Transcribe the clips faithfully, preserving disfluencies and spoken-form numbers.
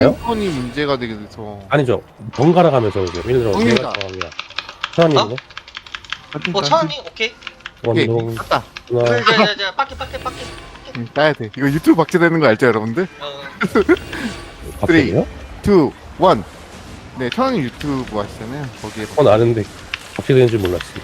폰이 문제가 되게 돼서. 아니죠. 번갈아 가면서 오죠. 예를 들어 정리가. 내가 정합니다. 천원님은? 어, 차은이 오케이. 오케이, 원동 땄다. 하나 자자자 빠끼 빠끼 빠끼. 응, 따야 돼. 이거 유튜브 박제되는 거 알죠, 여러분들? 어. 박스요? 투, 원. 네, 천원님 유튜브 하시잖아요. 거기에. 그건 아는데 어떻게 되는지 몰랐어요.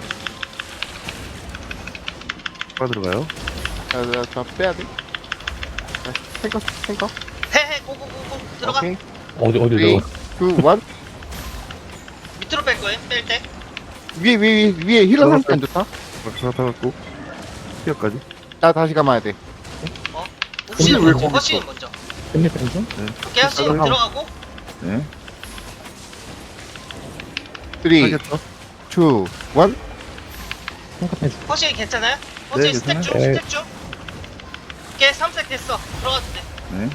빠 들어가요? 자, 자, 자, 빼야 돼. 자, 탱커, 탱커. 해해 고고고고 들어가. 오케이. 어디 어디 쓰리, 들어가? 투, 원. 밑으로 뺄 거예요. 뺄 때. 위에, 위에, 위에 힐러 상태 안 좋다. 박사 타갖고 티어까지. 나 다시 감아야 돼. 혹시 왜 먼저. 거기 허신 있어? 먼저. 끝내 펜션? 오케이 허신 들어가. 들어가고. 네. 쓰리, 하겠죠? 투, 원. 탱커 펜션. 허신 괜찮아요? 허신 네, 스택 중 괜찮아요. 스택 중. 오케이 삼색 됐어. 들어가도 돼. 네.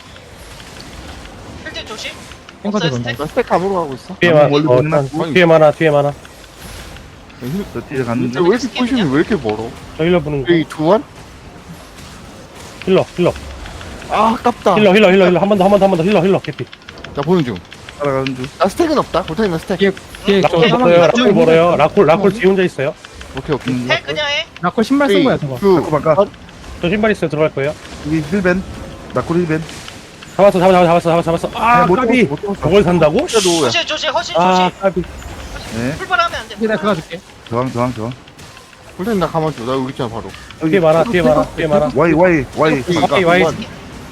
필드 조심. 탱커 없어요 들어간다. 스택. 나 스택 감으로 가고 있어. 뒤에 한번 많아. 멀리 어, 보내나? 한- 뒤에 많아. 뒤에 많아. 저 뒤에 갔는데. 왜 이렇게 포지션이 왜 이렇게 멀어? 저 힐러 보는 거. 쓰리, 투, 원. 힐러 힐러 아, 아깝다. 힐러 힐러 힐러 힐러 한 번 더 한 번 더 한 번 더 힐러 힐러 개피. 나 보는 중. 따라가는 중. 나 스택은 없다. 고타임 나 스택. 뒤에 뒤에 저 라콜 사망 멀어요. 라콜 멀어요. 라콜 라콜 뒤에 혼자 있어요. 오케이, 오케이. 음, 해 그냥 해. 라콜 신발 쓴 거야 저거. 투, 바꿔, 바꿔. 원. 저 신발 있어요. 들어갈 거예요. 여기 힐벤. 나코리 힐벤. 잡았어 잡았어 잡았어 잡았어 잡았어. 아 못 까비. 잡았어, 못 잡았어. 저걸 산다고? 진짜 노야. 허신 조심 허신 아 조심. 까비. 네. 풀발하면 안 돼. 이제 내가 그거 줄게. 저항, 저항, 저항. 고타임 나 가만줘. 나 여기 있잖아, 바로. 뒤에 많아. 뒤에 많아. 뒤에 많아. 와이, 와이, 와이. 오케이, 와이, 와이. 원.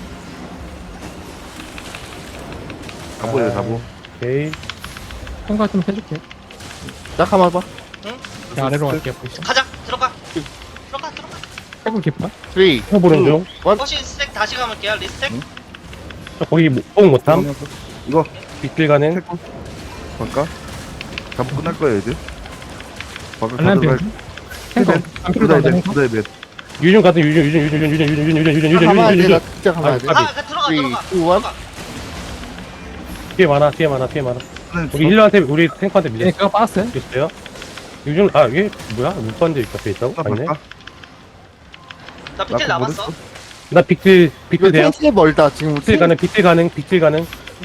잡보예요, 잡보. 오케이. 탱커 좀 해줄게. 나 가만봐. 자, 아래로 갈게 포지션. 가자 들어가. 들어가 들어가. 탱커 깊어? 쓰리, 힐러 보는 중. 원. 허신 스택 다시 감을게요. 리스택. 저 거기 뽕 못함. 이거, 빗길 가는. 태권. 바꿔. 잡보 끝날 거예요, 이제. 바꿔 알람 가져갈. 펜션? 탱커 힐벤. 안 필요도 구다이 안 벤, 탱커? 구다이 벤. 유준 같은 유준 유준 유준 유준 유준 유준 유준 유준 나 유준 가만야 유준 돼. 나 유준. 진짜 가만야 돼. 아, 아 그 들어가 쓰리, 들어가. 투, 원. 들어가. 뒤에 많아. 뒤에 많아. 뒤에 많아. 하나님 우리 힐러한테 우리 탱커한테 얘네 밀렸어. 그거 빠졌어요? 있어요? 유준 아 이게 뭐야? 눈반대 옆에 있다고? 바꿔, 아니네. 바꿔. 나 비틀 나코 남았어. 못했어? 나 빅딜 이거 빅딜 돼요? 텐트에 멀다. 지금 빅딜 가능 빅딜 가능 빅딜 가능.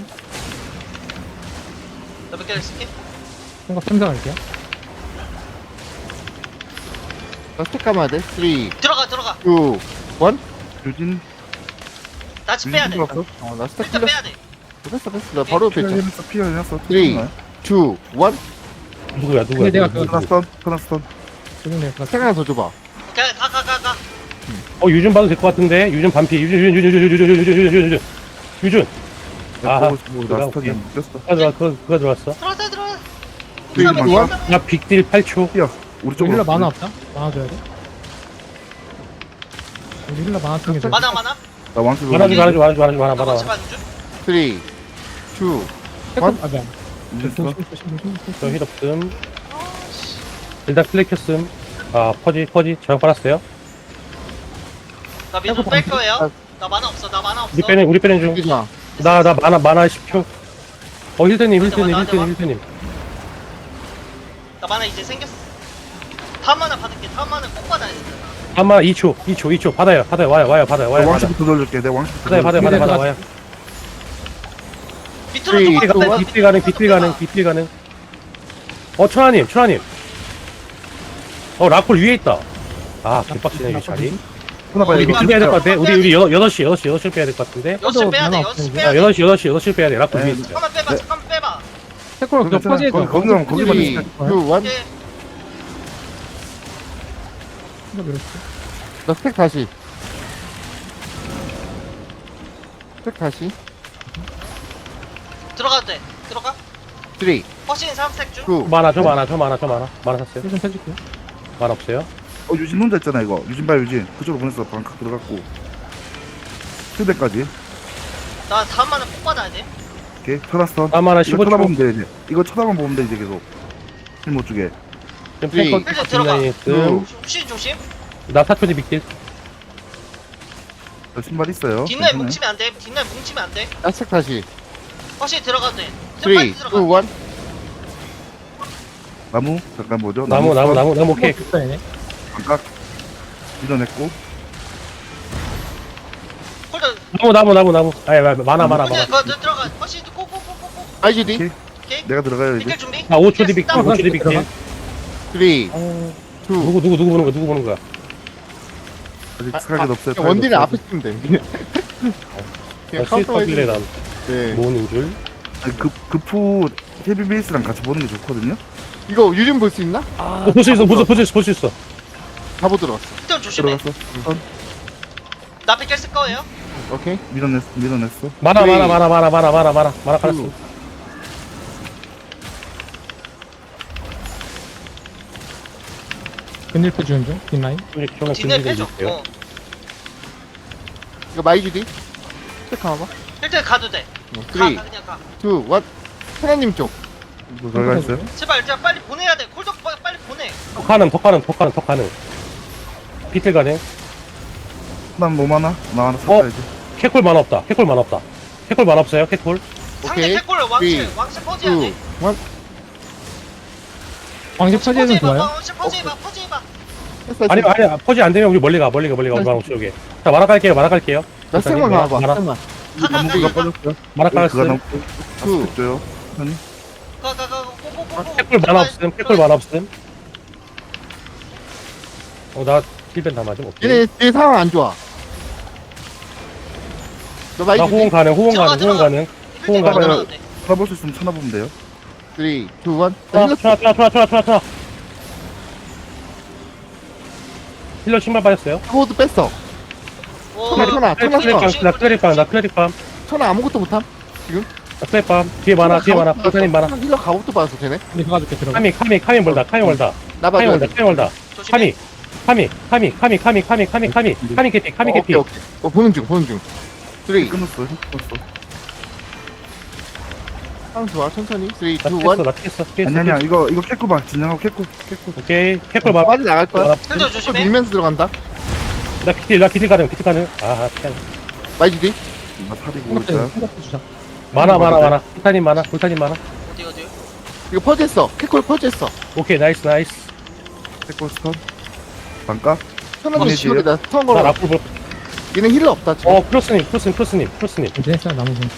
나 몇 개를 쓸게. 탱커 펜션 갈게요. 나 스택 감아야 돼. 쓰리, 들어가 들어가. 투, 원. 유진. 나치 빼야 돼. 유진 없어? 어, 나 스택 일단 풀렸어. 빼야 돼. 됐어, 됐어. 나 바로 옆에 피어 있잖아. 해놨어, 피어 해놨어. 쓰리, 투, 원. 누구야 누구야? 근데 내가 누구, 그거 누구? 커너스턴, 커너스턴. 조금 내가 그거 스택 하나 더 줘봐. 오케이 가가 가 가. 어 유준 봐도 될 것 같은데 유준 반피 유준 유준 유준 유준 유준 유준 유준 유준 유준 유준. 아하. 보고 싶고 나스턴이 오케이. 뺐어. 그가 들어 그거 그거 들어왔어. 들어가자 들어가. 쓰리, 투, 원. 나 빅딜 팔 초. 피어. 우리 우리 쪽으로. 힐러 만화 없다? 만화 줘야 돼? 우리 힐러 만화 챙겨줘. 많아 많아. 나 왕수. 말아 주 말아 주 말아 주 말아 주 말아 나 말아. 같이 가는 중. 쓰리, 투, 탱커 원. 아 뭐야. 유진 조심 써. 조심 조심 조심. 저 힐 없음. 일단 클릭 켰음. 아 퍼지 퍼지 저형 빨았어요. 나 민수 뺄 거예요. 나 만화 없어. 나 만화 없어. 우리 빼는 우리 빼는 중. 여기잖아. 나 나 만화 만화 십 초. 어 힐드님 힐드님 나한테 와, 힐드님 힐드님. 나 만화 이제 생겼어. 다음 만화 받을게. 다음 만화 꼭 받아야 돼. 아마 이 초 이 초 이 초 받아요 받아요 와요 와요 받아요 와요 내 받아. 왕수부터 돌려줄게. 내 왕수부터. 받아요 받아요 받아요 받아요 근데 와요. 밑으로 쓰리, 조금 투, 빼봐. 원. 비필 가능 비필 가능 비필 가능. 어 천하님 천하님. 어 라콜 위에 있다. 아 개빡치네 이 자리. 하나 봐야 우리 이거. 비필 빼야 될 것 같아. 우리 우리 여 여덟 시 여덟 시 여덟 시 빼야 될 것 같은데. 여섯 빼야 돼. 만화 여섯 없어, 빼야 아 돼. 여덟 시 여덟 시 여덟 시 빼야 돼. 라콜 네. 위에 있어. 잠깐만 빼봐. 네. 잠깐만 빼봐. 탱커로 그거 괜찮아. 퍼지해줘. 거기- 거기만- 거기만 쓰리, 투, 원. 오케이. 탱커 밀었어. 나 스택 다시. 스택 다시. 들어가도 돼. 들어가. 쓰리, 허신 삼색 중. 투, 많아 저 많아 저 많아 저 많아 많아 샀어요. 힐좀 해줄게. 많아 없어요. 어 유진 혼자 있잖아 이거. 유진 봐 유진. 그쪽으로 보냈어. 방각 들어갔고. 휴대까지. 나 다음 만화 꼭 받아야 돼. 오케이. 커너스턴. 아 많아 이거 십오 초. 쳐다보면 돼 이제. 이거 쳐다만 보면 돼 이제 계속. 힘못 주게. 지금 쓰리, 탱커 일단 들어가. 뒷라인에 있음. 혹시 조심. 나 사 초 뒤 빅딜. 저 신발 있어요. 뒷날 괜찮아요. 뭉치면 안 돼. 뒷날 뭉치면 안 돼. 나 스택 다시. 허신 들어가도 돼. 쓰리, 빨리 투, 들어가. 원. 나무 잠깐 뭐죠? 나무 나무 나무 나무 오케이. 탱커 있어 얘네. 반각 밀어냈고. 홀더 나무 나무 나무 나무 아니 많아 많아 많아 그냥 그거 들어가. 허시 고고고고고. 아이지디 오케이. 오케이. 내가 들어가요 이제. 비킬 준비. 아 오 초 뒤 빅, 스탑. 오 초 뒤 빅. 들어가. 쓰리, 이. 누구 누구 누구 보는 거야 누구 보는 거야 아직 아, 스카이가 없어요. 그냥 원딜은 스카이가 앞에 쓰면 돼. 그냥 아, 카운터 스위터길래 해주면 난 네. 모으는 줄 아니, 급 급푸 헤비 베이스랑 같이 보는 게 좋거든요. 이거 유진 볼 수 있나? 어, 볼 수 있어 볼 수 볼 수 있어 볼 수 있어 바보 들어왔어. 일단 조심해. 들어갔어. 나 비킬 쓸 거예요. 오케이. 밀어냈어. 밀어냈어. 많아 쓰리, 많아 많아 많아 많아 많아 많아 많아 깔았어 투. 근일표 지원 중. 뒷라인. 조금 진을 준비해 빼줘. 주세요 어. 이거 마이주디. 체크 한번. 일단 가도 돼. 가, 쓰리, 가 그냥 가. 이, 일. 천하님 쪽. 뭐 들어가 있어요? 제발 일단 빨리 보내야 돼. 콜덕 빨리, 빨리 보내. 턱 가능 턱 가능 턱 가능 턱 가능 비틀 가능 난뭐 많아? 나 하나 어? 샀다 이제. 캐콜 만화 없다 캐콜 만화 없다 캐콜 만화 없어요 캐콜 상대 오케이. 캐콜 왕실 쓰리, 왕실 퍼지해야 이, 돼. 일. 왕집 차지해도 좋아요. 왕실 퍼지해봐 퍼지해봐. 했어, 아니 했어. 아니 퍼지 안 되면 우리 멀리 가 멀리 가 멀리 가 우방 쪽에 자 만화 깔게요 만화 깔게요 나 생만 만화, 가봐. 만화. 생만. 나무가 빠졌어요. 만화 그가 깔았음 너무 투. 다시 줘요. 아니 가가가 고고고고. 캐콜 만화 없음 캐콜 만화 없음 어나 힐벤 다 맞음 오케이 얘네 얘 상황 안 좋아. 너 나 호응 마이주디. 가능 호응 들어가, 가능 호응 들어가. 가능 호응 가능. 들어가도 돼. 찾아볼 수 있으면 찾아보면 돼요. 쓰리, 이, 일. 아, 쳐, 쳐, 쳐, 쳐, 쳐, 쳐. 힐러 신발 빠졌어요. 호드 뺐어. 오, 천하, 천하, 천하, 클레릭 천하. 밤, 나 클레릭 밤, 나 클레릭 밤, 천하 아무것도 못함. 나 클레릭 밤. 뒤에 많아, 뒤에 많아. 불타님 많아. 힐러 가부터 받았어 되네. 근데 가줄게 들어가. 카미, 카미, 카미 멀다, 카미 멀다, 나 카미 봐줘. 멀다, 카미 멀다. 조심해. 카미, 카미, 카미, 카미, 카미, 카미, 카미, 카미, 카미 개피, 카미 개피. 오케이 오케이. 어 보는 중 보는 중. 쓰리. 끊었어. 끊었어. 상황 좋아 천천히. 쓰리, 이, 나 일. 피했어, 나 피했어, 피했어. 아니 아니야. 이거 이거 캐코 봐. 진정하고 캐코 캐코. 오케이, 캐콜 봐. 빠져 나갈 거야. 나, 현재 조심해. 밀면서 들어간다. 나 비틀, 나 비틀 가능, 비틀 가능. 아, 피한. 마이주디. 나 탈이고 있어요. 생각해 주자. 많아, 많아, 많아. 불타님 많아, 불타님 많아. 어디 어디. 이거 퍼즈했어. 캐콜 퍼즈했어. 오케이, 나이스, 나이스. 캐코 스턴. 반가. 천하도 이미지요? 지금 나 스턴 나 걸어. 라플 볼. 얘는 힐러 없다 지금. 어, 크로스님, 크로스님, 크로스님, 크로스님. 이제 했어 나무 분.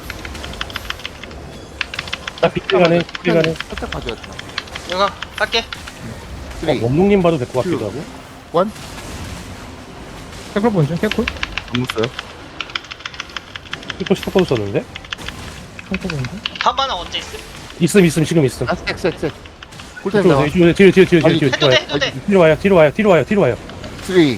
나 비틀 가능, 비틀 가능. 살짝 봐줘야 돼. 이거 갈게. 어, 쓰리, 원동님 봐도 될 것 같기도 하고. 원. 캐콜 본중 캐콜. 안 mus어요. 이거 스톱도 썼는데? 캐콜 본중. 반반은 언제 있음? 있음, 있음, 지금 있음. 아 색, 색, 색. 꿀타임 나와. 뒤로, 뒤로, 뒤로, 뒤로, 뒤로, 아니, 뒤로, 해도 뒤로 돼 와요. 해도 돼. 뒤로 와요, 뒤로 와요, 뒤로 와요, 뒤로 와요. 쓰리.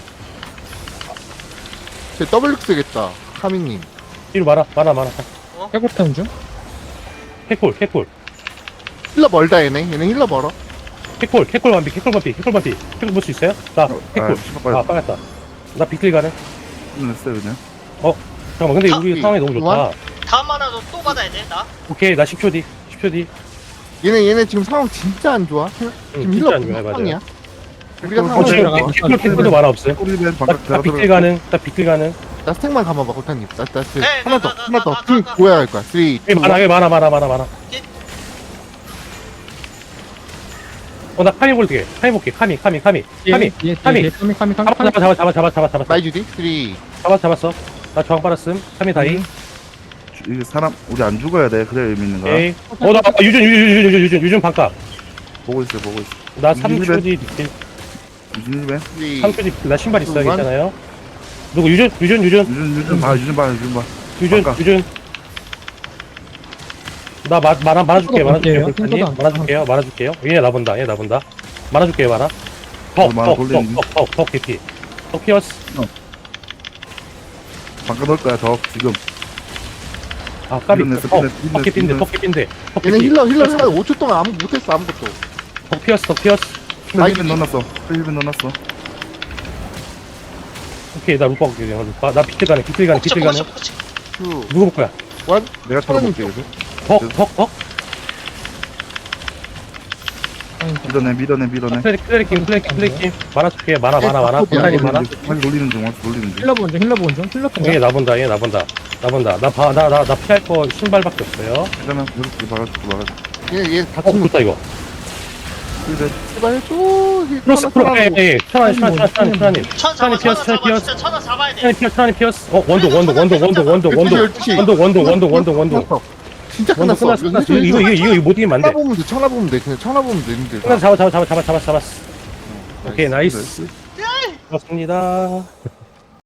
쟤 더블 쓰겠다. 카미님. 뒤로 말아, 말아, 말아. 캐콜 타임 중. 캐콜, 캐콜, 힐러 멀다 얘네. 얘네 힐러 멀어. 캐콜, 캐콜 반피, 캐콜 반피, 캐콜 반피. 캐콜 볼 수 있어요? 나, 캐콜. 아, 신발 아, 빨리 빠졌다. 나 비틀 가네. 끊었어요 그냥. 잠깐만, 근데 아, 우리 상황이 너무 좋다. 다음 하나도 또 받아야 돼 나. 오케이, 나 십 초 뒤, 십 초 뒤. 얘네 얘네 지금 상황 진짜 안 좋아. 지금 응, 힐러 진짜 안 좋아요, 상황이야. 맞아요. 우리가 어, 상황 저- 좋아. 들어가. 캐콜, 캐콜도 많아 없어요. 꼬리맨 나, 반각 나 제가 비틀 들어. 가능, 나 비틀 가능. 나 스택만 감아봐 골타님. 나, 나, 스 네, 하나 가, 더 가, 하나 가, 더. 가, 응, 가. 뭐야 할 거야. 쓰리, 예, 많아, 예, 많아, 많아, 많아, 많아. 어, 나 카미 볼게. 카미 볼게. 카미, 카미, 카미. 카미, 예, 카미. 예, 카미 카미 카미 잡아, 카미. 잡아, 잡아, 잡아, 잡아, 잡아. 마이주디. 쓰리. 잡아, 잡았어. 나 저항 빨았음. 카미 다이. 이게 사람 우리 안 죽어야 돼. 그래야 의미 있는 거야. 에이. 어, 나, 아, 유준, 유준, 유준, 유준, 유준, 유준 반값. 보고 있어 보고 있어. 나 삼 초 유준 뒤 비틀. 유준이맨. 쓰리. 삼 초 뒤 비틀. 나 신발 있어. 유준. 괜찮아요? 누구, 유준, 유준, 유준, 유준 유준 봐 유준 봐 유준 봐. 유준, 반값. 유준. 나 마, 말아, 말아줄게, 핑크도 말아줄게요. 볼게요. 불타님. 핑크도 안 말아줄게요, 말아줄게요. 얘 나본다, 얘 나본다. 말아줄게요, 말아. 덕, 어, 말아 덕, 돌리는 덕, 덕, 덕, 덕, 개피. 덕 피어스. 반가 넣을 거야 더 지금. 아, 까비. 밀어냈어, 덕, 밀어냈어, 덕 개피인데, 밀어냈어. 덕 개피인데. 덕 얘네 개피. 힐러 힐러 힐러 오 초 동안 아무 못했어 아무것도. 덕 피어스, 덕 피어스. 힐벤 넣어놨어. 힐벤 넣어놨어. 오케이, 나 루파 볼게, 루파. 나 비틀 가네, 비틀 가네, 비틀 가네. 포커싱 포커싱. 투. 누구 볼 거야? 원. 내가 털어볼게 이제. 덕, 덕, 덕. 밀어내 밀어내 밀어내. 클래릭, 클래릭, 클래릭, 클래릭. 말아줄게, 말아, 말아, 말아. 예, 불타님 말아. 많이 놀리는 중 많이 놀리는 중. 힐러 본중 힐러 본중 힐러 얘 통. 나본다, 얘 나본다. 나본다. 나 봐, 나, 나, 나 피할 거 신발밖에 없어요. 그러면 이렇게 막아줄게 막아줄게. 얘네 얘다 어, 친구. 좋다, 이거. 힐벤. 제발 해줘. 크로스 크로스 에이 천하님 천하님 천하님 천하님 천 잡아, 천하님 천하 피어스 천하님 잡아. 피어스 진짜 천하 잡아야 돼. 천하님 피어스 천하님 피어스 어 원도 원도 원도 원도 원도 원도 열두 시, 원도 원도 원도 원도 원도 원도 진짜 원도 끝났어. 끝났어 끝났어 이거 이거 이거 이거 못 이기면 청라 안돼 보면 돼. 청라 보면 돼. 그냥 청라 보면 돼. 님들. 끝났어 잡아 잡아 잡아 잡아 잡아 잡았어 오케이 나이스 나이스. 좋습니다